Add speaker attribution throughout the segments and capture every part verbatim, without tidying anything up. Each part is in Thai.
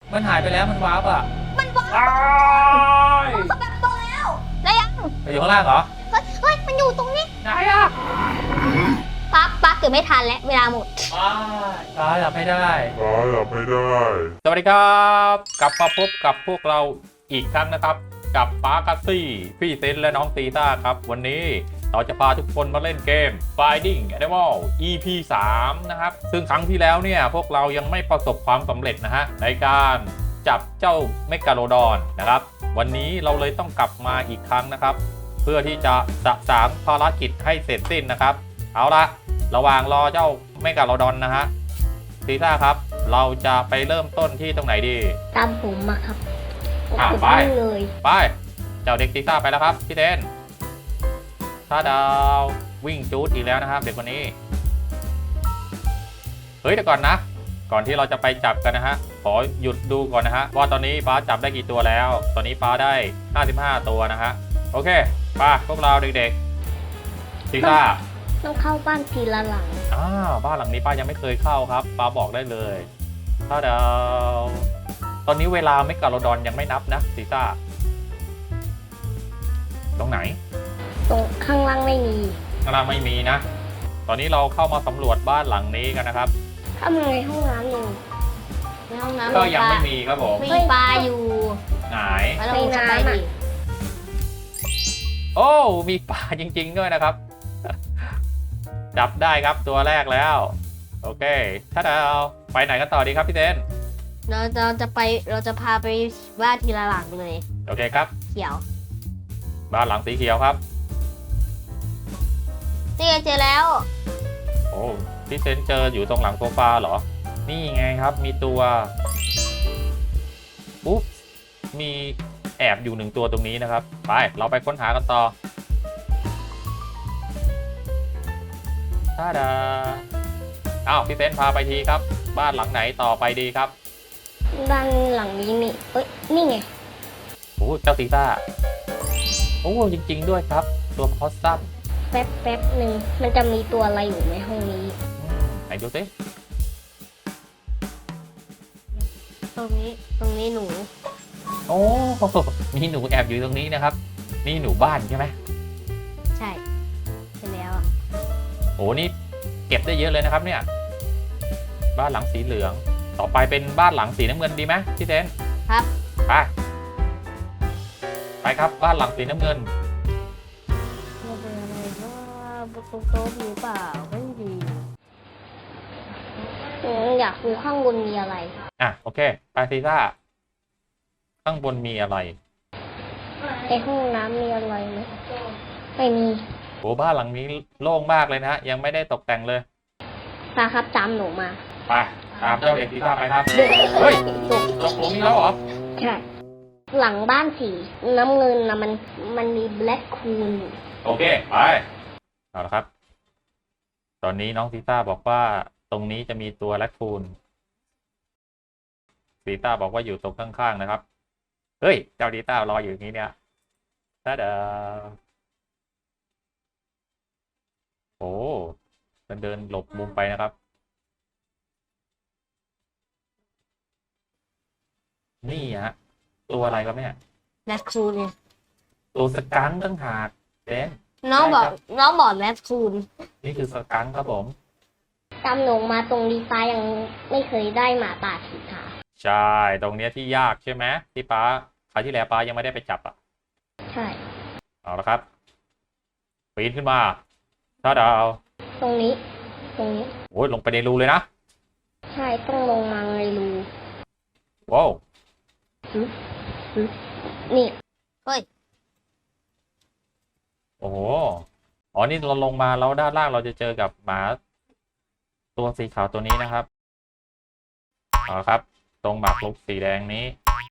Speaker 1: มันหายไปแล้วมันวาร์ปอ่ะ
Speaker 2: มันวาร์ปเขาแบบโตแล้วแล้วยัง
Speaker 1: อยู่ข้างล่างเหรอ
Speaker 2: เฮ้ยเฮ้ยมันอยู่ตรงนี้
Speaker 1: ไหนอ่ะ
Speaker 2: ปั๊บปั๊บเกือบไม่ทันแล้วเวลาหมด
Speaker 1: ตายหลับไม่ได้
Speaker 3: ตายหลับไม่ได้
Speaker 1: สวัสดีครับกลับมาพบกับพวกเราอีกครั้งนะครับกับป้ากัสซี่พี่เซนและน้องตีต้าครับวันนี้เราจะพาทุกคนมาเล่นเกม Finding Animal อี พี สามนะครับซึ่งครั้งที่แล้วเนี่ยพวกเรายังไม่ประสบความสำเร็จนะฮะในการจับเจ้าเมกาโลดอนนะครับวันนี้เราเลยต้องกลับมาอีกครั้งนะครับเพื่อที่จะสะสางภารกิจให้เสร็จสิ้นนะครับเอาละระหว่างรอเจ้าเมกาโลดอนนะฮะตีต้าครับเราจะไปเริ่มต้นที่ตรงไหนดี
Speaker 2: ตามผมมาครับ
Speaker 1: ไปเลยไปเจ้าเด็กตีต้าไปแล้วครับพี่เทนถ้าดาววิ่งจูดอีกแล้วนะครับเด็กคนนี้เฮ้ยเดี๋ยวก่อนนะก่อนที่เราจะไปจับกันนะฮะขอหยุดดูก่อนนะฮะว่าตอนนี้ป้าจับได้กี่ตัวแล้วตอนนี้ป้าได้ห้าสิบห้าตัวนะฮะโอเคป้าพวกเราเด็กๆตีต้า
Speaker 2: ต้องเข้าบ้านทีละหลัง
Speaker 1: อ้าวบ้านหลังนี้ป้ายังไม่เคยเข้าครับป้าบอกได้เลยถ้าดาวตอนนี้เวลาเมกาโลดอนยังไม่นับนะตีต้าตรงไหน
Speaker 2: ตรงข้างล่างไม่มี
Speaker 1: ข้างล่างไม่มีนะตอนนี้เราเข้ามาสำรวจบ้านหลังนี้กันนะครับ
Speaker 2: ทำไงห้องน้ำหนึ่งในห้องน้ำ
Speaker 1: ก็ยังไม่มีครับผม
Speaker 2: มีปลาอยู่
Speaker 1: ไหน
Speaker 2: ในน้ำอ่ะ
Speaker 1: โอ้มีปลาจริงๆด้วยนะครับจับได้ครับตัวแรกแล้วโอเคถ้าเราไปไหนกันต่อดีครับพี่เต้น
Speaker 2: เราจะจะไปเราจะพาไปบ้านทีละหลังเลย
Speaker 1: โอเคครับ
Speaker 2: เขียว
Speaker 1: บ้านหลังสีเขียวครับ
Speaker 2: นี่เจอแล้ว
Speaker 1: โอ้พี่เซนเจออยู่ตรงหลังโซฟาเหรอนี่ไงครับมีตัวปุ๊บมีแอบอยู่หนึ่งตัวตรงนี้นะครับไปเราไปค้นหากันต่อท่าดาอ้าวพี่เซนพาไปทีครับบ้านหลังไหนต่อไปดีครับ
Speaker 2: บ้านหลังนี้นี่เอ้ยนี่ไง
Speaker 1: โอ้เจ้าตีต้าโอ้จริงๆด้วยครับตัวพอสซัม
Speaker 2: แป๊บแป๊บหนึ่งมันจะมีตัวอะไรอยู่ในห้องนี้
Speaker 1: ไหนดูสิ
Speaker 2: ตรงนี้ตรงนี้หนู
Speaker 1: โอ้มีหนูแอบอยู่ตรงนี้นะครับนี่หนูบ้านใช่ไหม
Speaker 2: ใช่ใช่แล้ว
Speaker 1: โอ้นี่เก็บได้เยอะเลยนะครับเนี่ยบ้านหลังสีเหลืองต่อไปเป็นบ้านหลังสีน้ำเงินดีไหมพี่เซน
Speaker 2: ครับ
Speaker 1: ไปไปครับบ้านหลังสีน้ำเงิน
Speaker 2: เป็นอะไรว่าโต๊ะโต๊ะหรือเปล่าไม่ดีอยากดูข้างบนมีอะไร
Speaker 1: อ่ะโอเคไปซีซ่าข้างบนมีอะไร
Speaker 2: ในห้องน้ำมีอะไรไหมไม่มี
Speaker 1: โอ้บ้านหลังนี้โล่งมากเลยนะยังไม่ได้ตกแต่งเลย
Speaker 2: ตาครับตามหนูมา
Speaker 1: ไปตามเจ้าเด็กซีซ่าไปครับเฮ้ยตกตกหลุมนี้แล้วเหรอ
Speaker 2: ใช่หลังบ้านสีน้ำเงินนะมันมันมีแบล็คคูน
Speaker 1: โอเคไปเอาละครับตอนนี้น้องซีซ่าบอกว่าตรงนี้จะมีตัวแรคคูนซีต้าบอกว่าอยู่ตรงข้างๆนะครับเฮ้ยเจ้าดีต้ารออยู่อย่างนี้เนี่ยถ้าเดาโอ้มันเดินหลบมุมไปนะครับนี่ฮะตัวอะไรครับเนี่ย
Speaker 2: แรคคูนเนี่ย
Speaker 1: ตัวสกังตั้งหากเด่น
Speaker 2: น้องบอกน้องบอกแรคคูน
Speaker 1: นี่คือสกังครับผม
Speaker 2: ตามหนูมาตรงนี้ป้ายังไม่เคยได้หมาป่าสีขาว
Speaker 1: ใช่ตรงเนี้ยที่ยากใช่ไหมที่ป้าคราวที่แล้วป้ายังไม่ได้ไปจับอ่ะ
Speaker 2: ใช่
Speaker 1: เอาละครับปีนขึ้นมาถ้าดาว
Speaker 2: ตรงนี้ตรงนี้
Speaker 1: โอ้ยลงไปในรูเลยนะ
Speaker 2: ใช่ต้องลงมาในรู
Speaker 1: ว้าว
Speaker 2: นี่เฮ้ย
Speaker 1: โอ้โหอ๋อนี่เราลงมาแล้วด้านล่างเราจะเจอกับหมาตัวสีขาวตัวนี้นะครับเอาครับตรงหมากรุกสีแดงนี้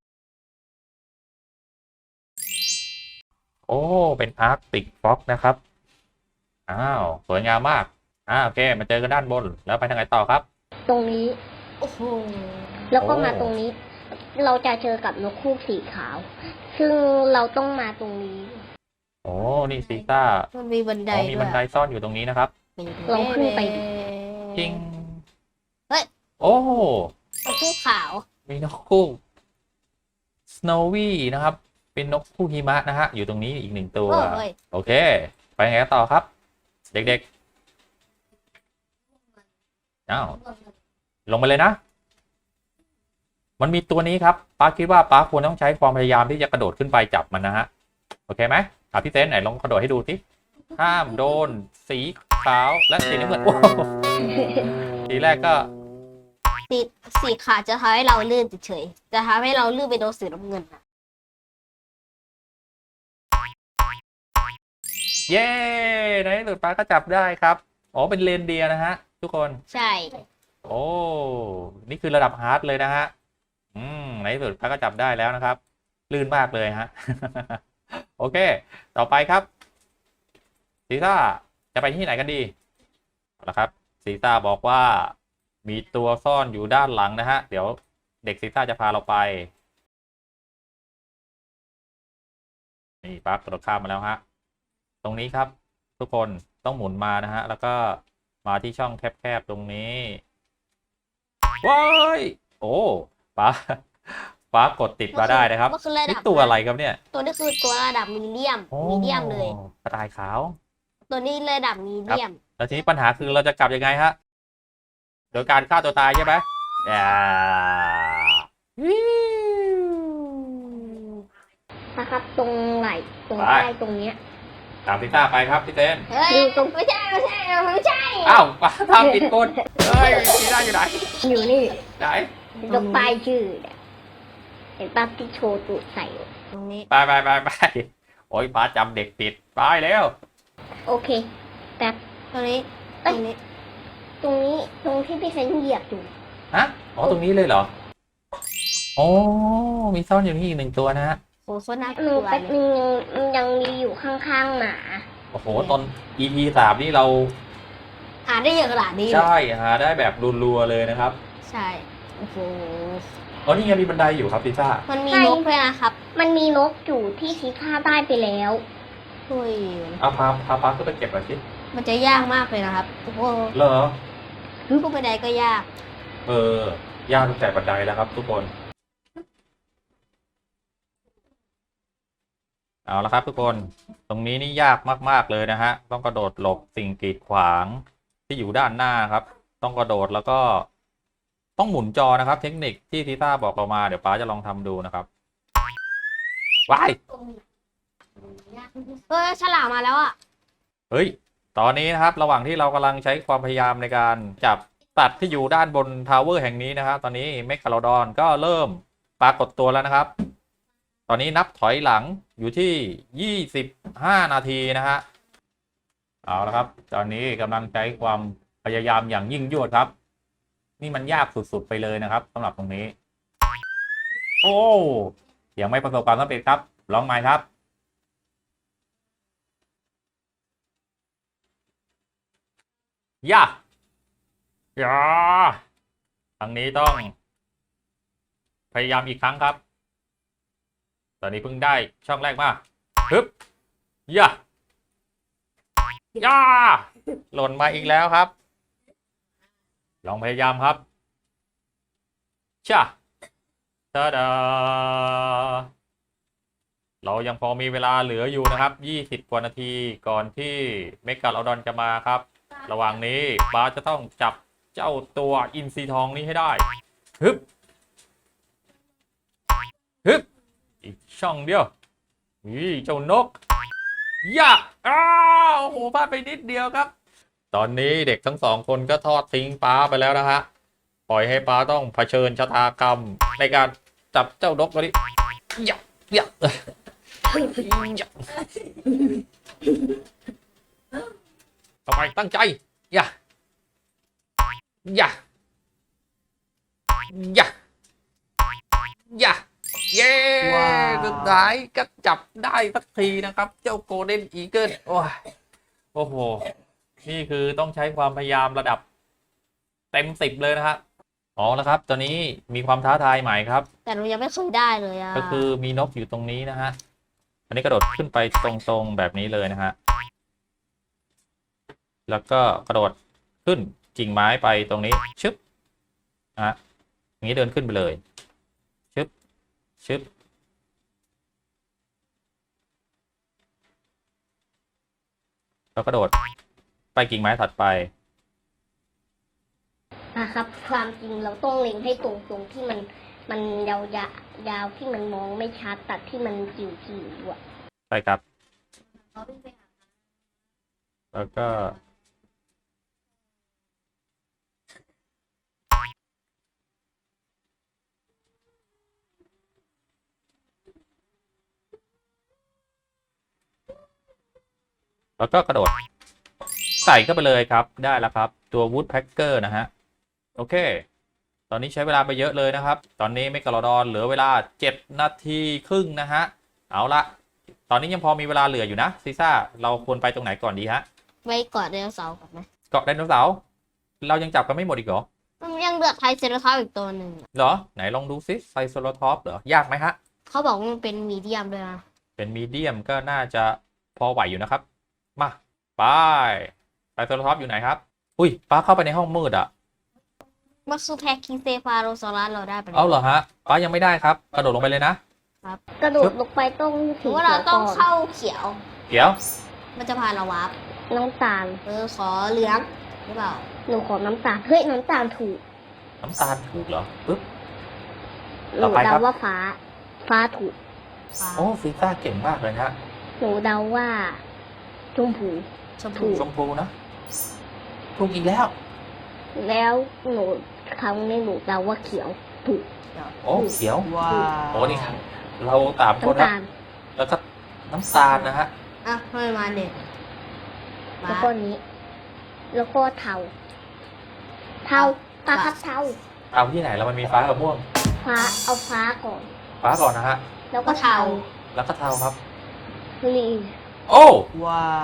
Speaker 1: โอ้เป็นอาร์กติกฟ็อกนะครับอ้าวสวยงามมากอ่าโอเคมาเจอกันด้านบนแล้วไปทางไหนต่อครับ
Speaker 2: ตรงนี้โอ้โหแล้วก็มาตรงนี้เราจะเจอกับนกฮูกสีขาวซึ่งเราต้องมาตรงนี้
Speaker 1: โอ้นี่ซีซ่า
Speaker 2: มันมีบันได
Speaker 1: มีบันไดซ่อนอยู่ตรงนี้นะครับ
Speaker 2: ลองขึ้นไป
Speaker 1: จริง
Speaker 2: เฮ้ย
Speaker 1: โอ้
Speaker 2: นกฮูกขาว
Speaker 1: มีนกฮูก Snowy นะครับเป็นนกคู่หิมะนะฮะอยู่ตรงนี้อีกหนึ่งตัว
Speaker 3: เออเฮ้ย
Speaker 1: โอเคไปไงต่อครับ เด็กๆอ้าวลงไปเลยนะ มันมีตัวนี้ครับป้าคิดว่าป้าควรต้องใช้ความพยายามที่จะกระโดดขึ้นไปจับมันนะฮะโอเคไหมอ่ะพี่เต้นไหนลองกระโดดให้ดูสิห้ามโดนสีขาวและสีน้ำเงินโอ้โหทีแรกก็
Speaker 3: สีสีขาดจะทำให้เราลื่นเฉยๆจะทำให้เราลื่นไปโดนสีน้ำเงินนะ
Speaker 1: เย้ในที่สุดป้าก็จับได้ครับอ๋อเป็นเลนเดียร์นะฮะทุกคน
Speaker 3: ใช่
Speaker 1: โอ้นี่คือระดับฮาร์ดเลยนะฮะอืมในที่สุดป้าก็จับได้แล้วนะครับลื่นมากเลยฮะ โอเคต่อไปครับซีซ่าจะไปที่ไหนกันดีเอาละครับซีซ่าบอกว่ามีตัวซ่อนอยู่ด้านหลังนะฮะเดี๋ยวเด็กซีซ่าจะพาเราไปนี่ปั๊บกระโดดข้ามมาแล้วฮะตรงนี้ครับทุกคนต้องหมุนมานะฮะแล้วก็มาที่ช่องแคบๆตรงนี้ว้ายโอ้ป้าป้ากดติดมาได้นะครับ
Speaker 3: มันคือระดั
Speaker 1: นี่
Speaker 3: บ
Speaker 1: ตัวอะไรครับเนี่ย
Speaker 3: ตัวนี้คือตัวระดับมีเดียม
Speaker 1: โอ้
Speaker 3: มีเดียมเลย
Speaker 1: กระต่ายขาว
Speaker 3: ตัวนี้ระดับมีเดียม
Speaker 1: แล้วทีนี้ปัญหาคือเราจะกลับยังไงฮะ โดยการฆ่าตัวตายใช่ไหมอ่าวิว
Speaker 2: นะครับ ตรงไหล่ตรง
Speaker 1: ไป
Speaker 2: ใต้ตรงเนี้ย
Speaker 1: ตามพิต้าไปครับพี่เต้น
Speaker 3: เฮ้ย
Speaker 2: อยู่ตรง
Speaker 3: ไม่ใช่ไม่ใช่ไม่ใช่
Speaker 1: อ้าวป้าทำผิดกฎเฮ้ยพิต้าอยู่ไหน
Speaker 2: อยู่นี่
Speaker 1: ไหน
Speaker 2: ตรงป้ายชื่อเนี่ยเห็นป้าที่โชว์ตูดใส่อยู่
Speaker 3: ตรงนี้
Speaker 1: ไปไปไปไปโอ้ยป้าจำเด็กผิดไปแล้ว
Speaker 2: โอเคแต่
Speaker 3: ตรงนี้ตรงนี้
Speaker 2: ตรงนี้ตรงที่พี่เซนเหยียบอยู่
Speaker 1: ฮะอ๋อตรงนี้เลยเหรอโอ้มีซ่อนอยู่นี่อีกหนึ่งตัวนะฮะ
Speaker 3: โหโคตรน่าก
Speaker 2: หนู
Speaker 3: ลัว
Speaker 2: แป๊บ
Speaker 3: เลย
Speaker 2: นึงมันยังมีอยู่ข้างๆหมา
Speaker 1: โอ้โหตอน อี พี สามนี่เรา
Speaker 3: หาได้เยอะขนาดนี้เลย
Speaker 1: ใช่หาได้แบบรัวๆเลยนะครับ
Speaker 3: ใช่โอ้โห
Speaker 1: อ๋อนี่ไงมีบันไดอยู่ครับพิต้า
Speaker 3: มันมี
Speaker 2: ใช่
Speaker 3: นกด้วยนะครับ
Speaker 2: มันมีนกอยู่ที่ชี้ค่าได้ไปแล้ว
Speaker 3: ช่วย
Speaker 1: เอาพาพาป้าขึ้นไปเก็บหน่อยสิ
Speaker 3: มันจะยากมากเลยนะครับโอ้โห
Speaker 1: เหรอ
Speaker 3: ขึ้นบันไดก็ยาก
Speaker 1: เออยากตั้งแต่บันไดแล้วครับ ทุกคน เอาละครับ ทุกคน ตรงนี้นี่ยากมากๆเลยนะฮะ ต้องกระโดดหลบสิ่งกีดขวางที่อยู่ด้านหน้าครับ ต้องกระโดดแล้วก็ต้องหมุนจอนะครับ เทคนิคที่ทีต้าบอกเรามาเดี๋ยวป้าจะลองทำดูนะครับว้าย
Speaker 3: เออฉลามมาแล้วอ่ะ
Speaker 1: เฮ้ย ตอนนี้นะครับ ระหว่างที่เรากำลังใช้ความพยายามในการจับสัตว์ที่อยู่ด้านบนทาวเวอร์แห่งนี้นะครับ ตอนนี้เมกาโลดอนก็เริ่มปรากฏตัวแล้วนะครับ ตอนนี้นับถอยหลังอยู่ที่ยี่สิบห้านาทีนะฮะ เอาละครับ ตอนนี้กำลังใช้ความพยายามอย่างยิ่งยวดครับ นี่มันยากสุดๆไปเลยนะครับสำหรับตรงนี้ โอ้ยังไม่ประสบความสำเร็จครับลองใหม่ครับย่าย่าทางนี้ต้อง พยายามอีกครั้งครับ ตอนนี้เพิ่งได้ช่องแรกมาฮึบย่าย่าหล่นมาอีกแล้วครับ ลองพยายามครับช่าตาดาเรายังพอมีเวลาเหลืออยู่นะครับยี่สิบกว่านาทีก่อนที่เมกาโลดอนจะมาครับ ระหว่างนี้บาสจะต้องจับเจ้าตัวอินทรีทองนี้ให้ได้ฮึบฮึบอีกช่องเดียวนี่เจ้านกย่าอ้าวโอ้โหพลาดไปนิดเดียวครับ ตอนนี้เด็กทั้งสองคนก็ทอดทิ้งป้าไปแล้วนะฮะปล่อยให้ป้าต้องเผชิญชะตากรรมในการจับเจ้านกตัวนี้ย่าย่าต่อไปตั้งใจย่าย่าย่าย่าเย้สุดท้ายก็จับได้สักทีนะครับ เจ้าโกลเด้นอีเกิลโอ้ยโอ้โหนี่คือต้องใช้ความพยายามระดับเต็มสิบเลยนะครับอ๋อแล้วครับ ตอนนี้มีความท้าทายใหม่ครับ
Speaker 3: แต่หนูยังไม่เคยได้เลยอ่ะ
Speaker 1: ก็คือมีนกอยู่ตรงนี้นะฮะ อันนี้กระโดดขึ้นไปตรงๆแบบนี้เลยนะฮะ แล้วก็กระโดดขึ้นกิ่งไม้ไปตรงนี้ชึบนะฮะอย่างนี้เดินขึ้นไปเลยชึบชึบแล้วกระโดดไปกิ่งไม้ถัดไป
Speaker 2: นะครับ ความจริงเราต้องเล็งให้ตรงตรงที่มันมันยาวยายาวที่มันมองไม่ชัดตัดที่มันจิ๋วจิ๋วอ่ะ
Speaker 1: ใช่ครับ แล้วก็แล้วก็กระโดดใส่เข้าไปเลยครับได้แล้วครับตัว Woodpecker นะฮะโอเคตอนนี้ใช้เวลาไปเยอะเลยนะครับตอนนี้เมกะโลดอนเหลือเวลาเจ็ดนาทีครึ่งนะฮะเอาละตอนนี้ยังพอมีเวลาเหลืออยู่นะซีซ่าเราควรไปตรงไหนก่อนดีฮะ
Speaker 3: ไว้กอดไดโนเสาร์ก่อนไหม
Speaker 1: เกาะไดโนเสาร์เรายังจับกันไม่หมดอีกเหรอ
Speaker 3: มันยังเหลือไทรเซราทอปส์อีกตัวหนึ่งอะ
Speaker 1: เหรอไหนลองดูซิไซโซโลทอปเหรอยากไหมฮะ
Speaker 3: เขาบอกว่ามันเป็นมีเดียมด้วยนะ
Speaker 1: เป็นมีเดียมก็น่าจะพอไหวอยู่นะครับมาไปไซโซโลทอปอยู่ไหนครับอุ้ยป้าเข้าไปในห้องมืดอ่ะ
Speaker 3: มันคือแพคคิงเซฟาโรซอรัสเราได้ไปแล้ว
Speaker 1: เอาเหรอฮะป้ายังไม่ได้ครับกระโดดลงไปเลยนะ
Speaker 2: กระโดดลงไปต้อง
Speaker 3: ถื
Speaker 2: สี
Speaker 3: อว่าเรา
Speaker 2: เขียว
Speaker 3: ต้อง
Speaker 2: ก่อน
Speaker 3: เข้าเขียว
Speaker 1: เดี๋ยว
Speaker 3: มันจะพาเราวาร์ป
Speaker 2: น้ำตาล
Speaker 3: เออขอเหลืองหรือเปล่า
Speaker 2: หนูขอน้ำตาลเฮ้ยน้ำตาลถูก
Speaker 1: น้ำตาลถูกเหรอปึ๊บ
Speaker 2: ห
Speaker 1: ต่
Speaker 2: นู
Speaker 1: อไปครั
Speaker 2: เดา
Speaker 1: บ
Speaker 2: ว่าฟ้า ฟ้าถูก
Speaker 3: ฟ้า
Speaker 1: โอ้ซีซ่าเก่งมากเลยฮะ
Speaker 2: หนูเดาว่าชมพู
Speaker 3: ชม
Speaker 2: ถู
Speaker 3: พู
Speaker 2: ก
Speaker 1: ชมพูนะถูกอีกแล้ว
Speaker 2: แล้วหนูครั้งนี้หนูเดาว่าเขียวถูก
Speaker 1: โอ้เขียว
Speaker 4: ว้าว
Speaker 1: โอ้นี่ครับเราตามคน
Speaker 2: น้ำ
Speaker 1: นะ
Speaker 2: ตาล
Speaker 1: แล้วก็น้ำตาลนะฮะ
Speaker 3: อ่ะทำไมมาเด็ก
Speaker 2: แล้วก็นี้ แล้วก็เทาเทาปลาครับเทา
Speaker 1: เอาที่ไหนแล้วมันมีฟ้ากับม่วง
Speaker 2: ฟ้าเอาฟ้าก่อน
Speaker 1: ฟ้าก่อนนะฮะ
Speaker 2: แล้วก็เทา
Speaker 1: แล้วก็เทาครับ
Speaker 2: ลี
Speaker 1: โอ้
Speaker 4: ว้าว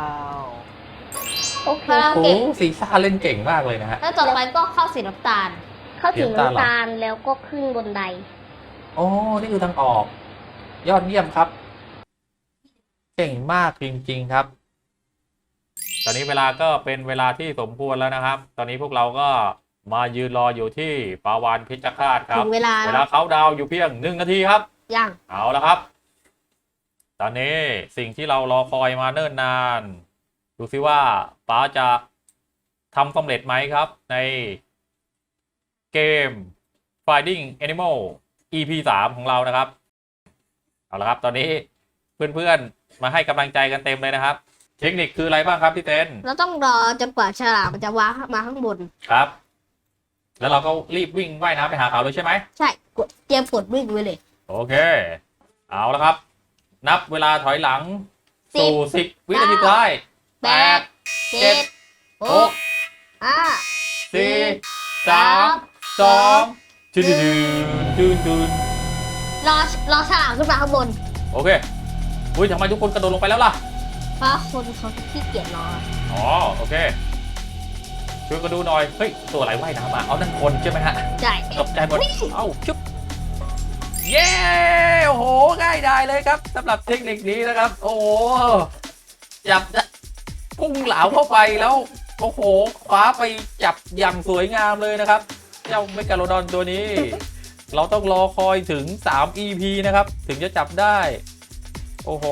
Speaker 2: โอเค
Speaker 3: พอเรา
Speaker 1: โห
Speaker 3: เก็บ
Speaker 1: ซีซ่าเล่นเก่งมากเลยนะฮะ
Speaker 3: แล้วต่อไปก็เข้าสีน้ำตาล
Speaker 2: เข้าถึง
Speaker 1: น้ำตาลเหรอ
Speaker 2: น้ำตาลแล้วก็ขึ้นบนได
Speaker 1: โอ้นี่คือทางออก ยอดเยี่ยมครับ เก่งมากจริงๆครับ ตอนนี้เวลาก็เป็นเวลาที่สมควรแล้วนะครับ ตอนนี้พวกเราก็มายืนรออยู่ที่ปาวานพิจคาตค
Speaker 3: ถึ
Speaker 1: รับ
Speaker 3: งเวลา
Speaker 1: เว
Speaker 3: แล้
Speaker 1: ลาว เขาดาวน์อยู่เพียงหนึ่งนาทีครับ
Speaker 3: ยัง
Speaker 1: เอาละครับ ตอนนี้สิ่งที่เรารอคอยมาเนิ่นนาน ดูซิว่าป๋าจะทำสำเร็จไหมครับ ในเกม Finding Animal อี พี สาม ของเรานะครับ เอาละครับ ตอนนี้เพื่อนๆมาให้กำลังใจกันเต็มเลยนะครับ เทคนิคคืออะไรบ้างครับพี่เต้น
Speaker 3: เราต้องรอจนกว่าฉลามมันจะว้ามาข้างบน
Speaker 1: ครับ แล้วเราก็รีบวิ่งว่ายน้ำไปหาเขาเลยใช่ไหม
Speaker 3: ใช่กดเตรียมกดวิ่งไว้เลย
Speaker 1: โอเค เอาละครับ นับเวลาถอยหลัง
Speaker 3: สิบ
Speaker 1: สู่สิบวินาทีสุดท้าย
Speaker 3: แป
Speaker 1: แป
Speaker 3: ด
Speaker 1: ด
Speaker 3: เจ็ดห
Speaker 1: ห
Speaker 3: ก
Speaker 1: ก
Speaker 3: ห้า
Speaker 1: สี่สามสองจุดจุดจุดจุด
Speaker 3: รอรอฉลามขึ้นมาข้างบน
Speaker 1: โอเคอุ้ยทำไมทุกคนกระโดดลงไปแล้วล่ะ
Speaker 3: เพราะคนเขาขี้เกียจรอ
Speaker 1: อ๋อ โอเค ช่วยกันดูหน่อย เฮ้ย ตัวอะไรว่ายน้ำมาเอานั่นคนใช่ไหมฮะ
Speaker 3: ใช่
Speaker 1: ตกใจหมด เอ้าชุบ เย้ โอ้โห ง่ายดายเลยครับสำหรับเทคนิคนี้นะครับ โอ้โห จับพุ่งเหลาเข้าไปแล้ว โอ้โห คว้าไปจับอย่างสวยงามเลยนะครับ เจ้าเมกาโลดอนตัวนี้ เราต้องรอคอยถึง สาม อี พี นะครับ ถึงจะจับได้ โอ้โห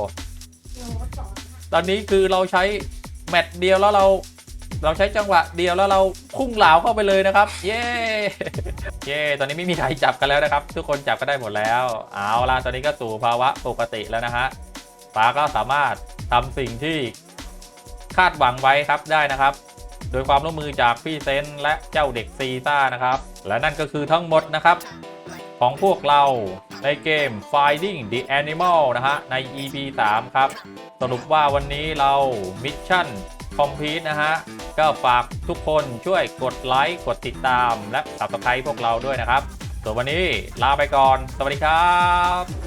Speaker 1: ตอนนี้คือเราใช้แมตช์เดียวแล้วเรา เราใช้จังหวะเดียวแล้วเราพุ่งเหลาเข้าไปเลยนะครับ เย้ เย้ ตอนนี้ไม่มีใครจับกันแล้วนะครับ ทุกคนจับก็ได้หมดแล้ว เอาล่ะ ตอนนี้ก็สู่ภาวะปกติแล้วนะฮะป๋าก็สามารถทำสิ่งที่คาดหวังไว้ครับได้นะครับ โดยความร่วมมือจากพี่เซนและเจ้าเด็กซีซ่านะครับ และนั่นก็คือทั้งหมดนะครับ ของพวกเราในเกม Finding the Animal นะฮะใน อี พี สาม ครับ สรุปว่าวันนี้เรามิชชั่นคอมพลีทนะฮะ ก็ฝากทุกคนช่วยกดไลค์กดติดตามและ Subscribe พวกเราด้วยนะครับ ส่วนวันนี้ลาไปก่อน สวัสดีครับ